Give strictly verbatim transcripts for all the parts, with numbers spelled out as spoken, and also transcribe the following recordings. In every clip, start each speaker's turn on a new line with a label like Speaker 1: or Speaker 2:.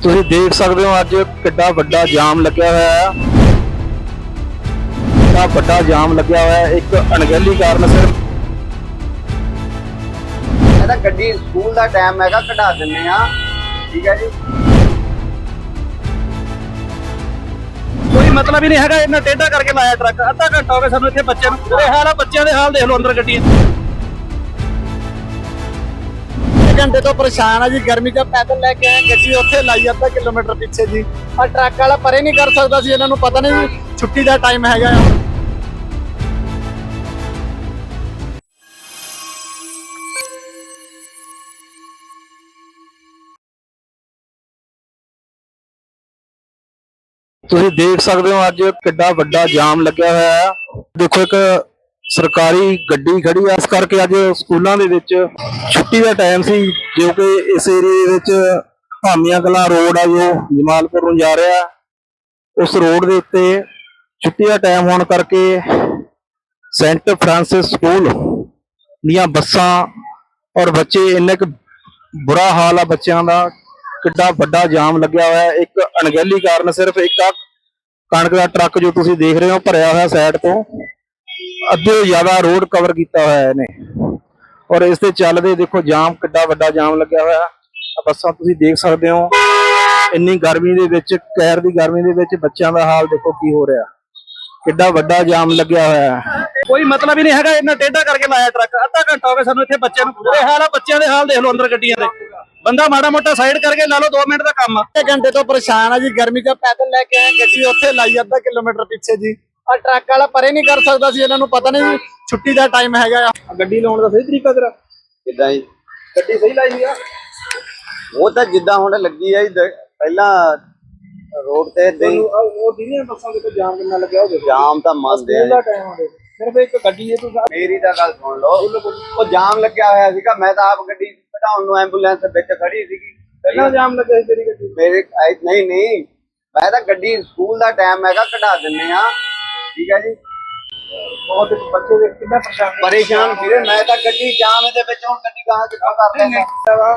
Speaker 1: ਤੁਸੀਂ ਦੇਖ ਸਕਦੇ ਹੋ ਅੱਜ ਕਿੱਡਾ ਵੱਡਾ ਜਾਮ ਲੱਗਿਆ ਹੋਇਆ ਹੈ। ਕਿੰਨਾ ਵੱਡਾ ਜਾਮ ਲੱਗਿਆ ਹੋਇਆ ਹੈ ਇੱਕ ਅਣਗਹਿਲੀ ਕਾਰਨ ਸਿਰਫ।
Speaker 2: ਇਹਦਾ ਗੱਡੀ ਸਕੂਲ ਦਾ ਟਾਈਮ ਹੈਗਾ, ਕਢਾ ਦਿੰਨੇ ਆ। ਠੀਕ ਹੈ ਜੀ,
Speaker 1: ਕੋਈ ਮਤਲਬ ਹੀ ਨਹੀਂ ਹੈਗਾ। ਇਹਨਾਂ ਟੇਢਾ ਕਰਕੇ ਲਾਇਆ ਟਰੱਕ। ਅੱਧਾ ਘੰਟਾ ਹੋ ਗਿਆ ਸਾਨੂੰ ਇੱਥੇ ਬੱਚਿਆਂ ਨੂੰ। ਬੁਰੇ ਹਾਲ ਆ ਬੱਚਿਆਂ ਦੇ ਹਾਲ ਦੇਖ ਲਓ ਅੰਦਰ ਗੱਡੀਆਂ।
Speaker 3: घंटे तो परेशान है जी। गर्मी जब पैदल लेके आए गड्डी उत्थे लाई अद्धा किलोमीटर पीछे जी, और ट्रक वाला परे नहीं कर सकता सी। इन्हां नूं पता नहीं छुट्टी का टाइम हैगा।
Speaker 1: ਤੁਸੀਂ ਦੇਖ ਸਕਦੇ ਹੋ ਅੱਜ ਕਿੱਡਾ ਵੱਡਾ ਜਾਮ ਲੱਗਿਆ ਹੋਇਆ ਹੈ। ਦੇਖੋ ਇੱਕ ਸਰਕਾਰੀ ਗੱਡੀ ਖੜੀ ਆ, ਇਸ ਕਰਕੇ ਅੱਜ ਸਕੂਲਾਂ ਦੇ ਵਿੱਚ ਛੁੱਟੀ ਦਾ ਟਾਈਮ ਸੀ, ਜੋ ਕਿ ਇਸ ਏਰੀਏ ਦੇ ਵਿੱਚ ਭਾਮੀਆਂ ਕਲਾਂ ਰੋਡ ਆ ਜੋ ਜਮਾਲਪੁਰ ਨੂੰ ਜਾ ਰਿਹਾ। ਉਸ ਰੋਡ ਦੇ ਉੱਤੇ ਛੁੱਟੀ ਦਾ ਟਾਈਮ ਹੋਣ ਕਰਕੇ ਸੈਂਟ ਫਰਾਂਸਿਸ ਸਕੂਲ ਦੀਆਂ ਬੱਸਾਂ ਔਰ ਬੱਚੇ, ਇੰਨੇ ਕੁ ਬੁਰਾ ਹਾਲ ਆ ਬੱਚਿਆਂ ਦਾ। ਕਿੱਡਾ ਵੱਡਾ ਜਾਮ ਲੱਗਿਆ ਹੋਇਆ ਇੱਕ ਅਣਗਹਿਲੀ ਕਾਰਨ ਸਿਰਫ। ਇੱਕ ਆ ਕਣਕ ਦਾ ਟਰੱਕ ਜੋ ਤੁਸੀਂ ਦੇਖ ਰਹੇ ਹੋ ਭਰਿਆ ਹੋਇਆ ਸਾਈਡ ਤੋਂ, ਅੱਧੇ ਤੋਂ ਜ਼ਿਆਦਾ ਰੋਡ ਕਵਰ ਕੀਤਾ ਹੋਇਆ ਇਹਨੇ। ਔਰ ਇਸ ਦੇ ਚੱਲਦੇ ਦੇਖੋ ਜਾਮ, ਕਿੱਡਾ ਵੱਡਾ ਜਾਮ ਲੱਗਿਆ ਹੋਇਆ। ਆ ਬੱਸਾਂ ਤੁਸੀਂ ਦੇਖ ਸਕਦੇ ਹੋ। ਇੰਨੀ ਗਰਮੀ ਦੇ ਵਿੱਚ, ਕਹਿਰ ਦੀ ਗਰਮੀ ਦੇ ਵਿੱਚ ਬੱਚਿਆਂ ਦਾ ਹਾਲ ਦੇਖੋ ਕੀ ਹੋ ਰਿਹਾ। ਕਿੱਡਾ ਵੱਡਾ ਜਾਮ ਲੱਗਿਆ ਹੋਇਆ। ਕੋਈ ਮਤਲਬ ਹੀ ਨਹੀਂ ਹੈਗਾ। ਇਹਨਾਂ ਟੇਢਾ ਕਰਕੇ ਲਾਇਆ ਟਰੱਕ। ਅੱਧਾ ਘੰਟਾ ਹੋ ਗਿਆ ਸਾਨੂੰ ਇੱਥੇ ਬੱਚਿਆਂ ਨੂੰ। ਬੁਰੇ ਹਾਲ ਆ ਬੱਚਿਆਂ ਦੇ ਹਾਲ ਦੇਖ ਲਓ ਅੰਦਰ ਗੱਡੀਆਂ ਦੇ। ਬੰਦਾ ਮਾੜਾ ਮੋਟਾ ਸਾਈਡ ਕਰਕੇ ਲਾ ਲਓ, दो मिनट का काम आ।
Speaker 3: घंटे तो परेशान है जी। गर्मी जब पैदल लेके आए गड्डी उत्थे लाई अद्धा किलोमीटर पीछे जी, और ट्रक वाला परे नहीं कर सकता सी। इन्हां नूं पता नहीं छुट्टी का टाइम हैगा।
Speaker 1: ਗੱਡੀ ਲਾਉਣ ਦਾ ਸਹੀ ਤਰੀਕਾ ਤੇਰਾ?
Speaker 2: ਕਿੱਦਾਂ ਜੀ?
Speaker 1: ਗੱਡੀ ਸਹੀ ਲਾਈ ਹੋਈ ਆ?
Speaker 2: ਉਹ ਤਾਂ ਜਿੱਦਾਂ ਹੁਣ ਲੱਗੀ ਆ ਜੀ, ਦ- ਪਹਿਲਾਂ ਰੋਡ ਤੇ ਏਦਾਂ ਹੀ
Speaker 1: ਉਹ ਦੀਦੀਆਂ ਬੱਸਾਂ ਦੇ ਤੇ ਜਾਮ ਕਿੰਨਾ ਲੱਗਿਆ ਹੋਵੇ।
Speaker 2: ਜਾਮ ਤਾਂ ਮੰਨਦੇ ਆ
Speaker 1: ਸਕੂਲ ਦਾ
Speaker 2: ਜੀ।
Speaker 1: ਟਾਈਮ ਹੋਵੇ, ਸਿਰਫ ਇੱਕ ਗੱਡੀ ਹੈ। ਤੂੰ
Speaker 2: ਮੇਰੀ ਤਾਂ ਗੱਲ ਸੁਣ ਲਓ, ਉਹ ਜਾਮ ਲੱਗਿਆ ਹੋਇਆ ਸੀਗਾ। ਮੈਂ ਤਾਂ ਆਪ ਗੱਡੀ ਕਢਾਉਣ ਨੂੰ ਐਂਬੂਲੈਂਸ ਵਿੱਚ ਖੜੀ ਸੀਗੀ।
Speaker 1: ਪਹਿਲਾਂ ਜਾਮ ਲੱਗਿਆ ਸੀ ਤੇਰੀ ਗੱਡੀ?
Speaker 2: ਮੇਰੇ ਐ- ਨਹੀਂ ਨਹੀਂ, ਮੈਂ ਤਾਂ ਗੱਡੀ ਸਕੂਲ ਦਾ ਟਾਈਮ ਹੈਗਾ, ਕਢਾ ਦਿੰਨੇ ਆ। ਠੀਕ ਹੈ ਜੀ,
Speaker 1: ਬਹੁਤ ਬੱਚੇ ਦੇਖ ਕਿੰਨਾ ਪਰੇਸ਼ਾਨ ਨੇ।
Speaker 2: ਪਰੇਸ਼ਾਨ ਵੀਰੇ। ਮੈਂ ਤਾਂ ਗੱਡੀ ਜਾਮ ਦੇ ਵਿੱਚ, ਹੁਣ ਗੱਡੀ ਕਹਾਂ ਕਿੱਥੋਂ ਕਰ ਲੈਂਦਾ।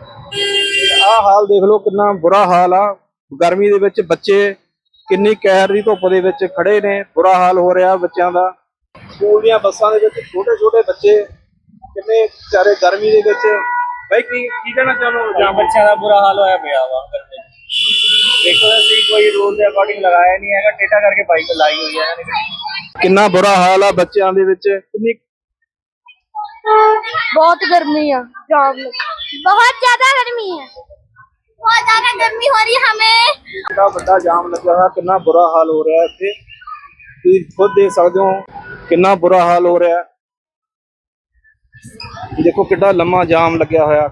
Speaker 1: ਆਹ ਹਾਲ ਦੇਖ ਲਓ, ਕਿੰਨਾ ਬੁਰਾ ਹਾਲ ਆ। ਗਰਮੀ ਦੇ ਵਿੱਚ ਬੱਚੇ ਕਿੰਨੀ ਕਹਿਰ ਦੀ ਧੁੱਪ ਦੇ ਵਿੱਚ ਖੜੇ ਨੇ। ਬੁਰਾ ਹਾਲ ਹੋ ਰਿਹਾ ਬੱਚਿਆਂ ਦਾ। ਸਕੂਲ ਦੀਆਂ ਬੱਸਾਂ ਦੇ ਵਿੱਚ ਛੋਟੇ ਛੋਟੇ ਬੱਚੇ ਕਿੰਨੇ ਵਿਚਾਰੇ ਗਰਮੀ ਦੇ ਵਿੱਚ। ਬਾਈ ਕੀ ਕੀ ਕਹਿਣਾ ਚਾਹੁੰਦੇ ਹੋ?
Speaker 4: ਬੱਚਿਆਂ ਦਾ ਬੁਰਾ ਹਾਲ ਹੋਇਆ ਪਿਆ ਵਾ। ਦੇਖੋ ਅਸੀਂ ਕੋਈ ਰੂਲ ਦੇ ਅਕੋਰਡਿੰਗ ਲਗਾਇਆ ਨਹੀਂ ਹੈਗਾ, ਟੇਢਾ ਕਰਕੇ ਬਾਈਕ ਲਾਈ ਹੋਈ ਹੈ ਇਹਨਾਂ ਨੇ।
Speaker 1: ਕਿੰਨਾ ਬੁਰਾ ਹਾਲ ਆ ਬੱਚਿਆਂ ਦੇ ਵਿੱਚ। ਕਿੰਨੀ
Speaker 5: बहुत गर्मी है, जाम बहुत ज्यादा गर्मी है, बहुत ज्यादा गर्मी हो रही है हमें।
Speaker 1: ਕਿੰਨਾ ਵੱਡਾ ਜਾਮ ਲੱਗਿਆ ਹੋਇਆ, ਕਿੰਨਾ ਬੁਰਾ ਹਾਲ ਹੋ ਰਿਹਾ ਇੱਥੇ। ਤੁਸੀਂ ਖੁਦ ਦੇਖ ਸਕਦੇ ਹੋ ਕਿੰਨਾ ਬੁਰਾ ਹਾਲ ਹੋ ਰਿਹਾ। ਦੇਖੋ ਕਿੱਡਾ ਲੰਮਾ ਜਾਮ ਲੱਗਿਆ ਹੋਇਆ।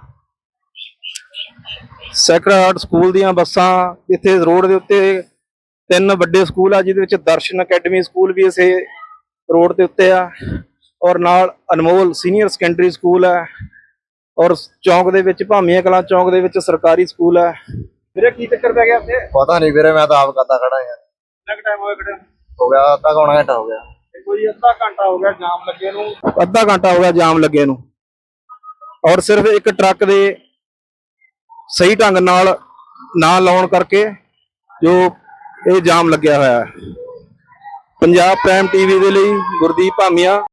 Speaker 1: ਸੈਕਰਡ ਹਾਰਟ ਸਕੂਲ ਦੀਆਂ ਬੱਸਾਂ ਇੱਥੇ ਰੋਡ ਦੇ ਉੱਤੇ, ਤਿੰਨ ਵੱਡੇ ਸਕੂਲ ਆ ਜਿਹਦੇ ਵਿੱਚ ਦਰਸ਼ਨ ਅਕੈਡਮੀ ਸਕੂਲ ਵੀ ਇਸੇ ਰੋਡ ਦੇ ਉੱਤੇ ਆ, ਔਰ ਨਾਲ ਅਨਮੋਲ ਸੀਨੀਅਰ ਸੈਕੰਡਰੀ ਸਕੂਲ ਹੈ, ਔਰ ਚੌਂਕ ਦੇ ਵਿੱਚ ਭਾਮੀਆਂ ਕਲਾਂ ਚੌਂਕ ਦੇ ਵਿੱਚ ਸਰਕਾਰੀ ਸਕੂਲ ਹੈ। ਵੀਰੇ ਕੀ ਚੱਕਰ ਪੈ ਗਿਆ ਇੱਥੇ?
Speaker 3: पता नहीं वीरे, मैं तो आप करता खड़ा यार।
Speaker 1: ਕਿੰਨਾ ਟਾਈਮ ਹੋਇਆ ਖੜੇ ਨੂੰ?
Speaker 3: हो गया आधा पौना घंटा हो गया।
Speaker 1: ਕੋਈ ਅੱਧਾ ਘੰਟਾ ਹੋ ਗਿਆ ਜਾਮ ਲੱਗੇ ਨੂੰ। ਅੱਧਾ ਘੰਟਾ ਹੋ ਗਿਆ ਜਾਮ ਲੱਗੇ ਨੂੰ, ਔਰ ਸਿਰਫ ਇੱਕ ਟਰੱਕ ਦੇ ਸਹੀ ਢੰਗ ਨਾਲ ਨਾ ਲਾਉਣ ਕਰਕੇ ਜੋ ਇਹ ਜਾਮ ਲੱਗਿਆ ਹੋਇਆ ਹੈ। ਪੰਜਾਬ ਪ੍ਰਾਈਮ ਟੀਵੀ ਦੇ ਲਈ ਗੁਰਦੀਪ ਭਾਮੀਆ।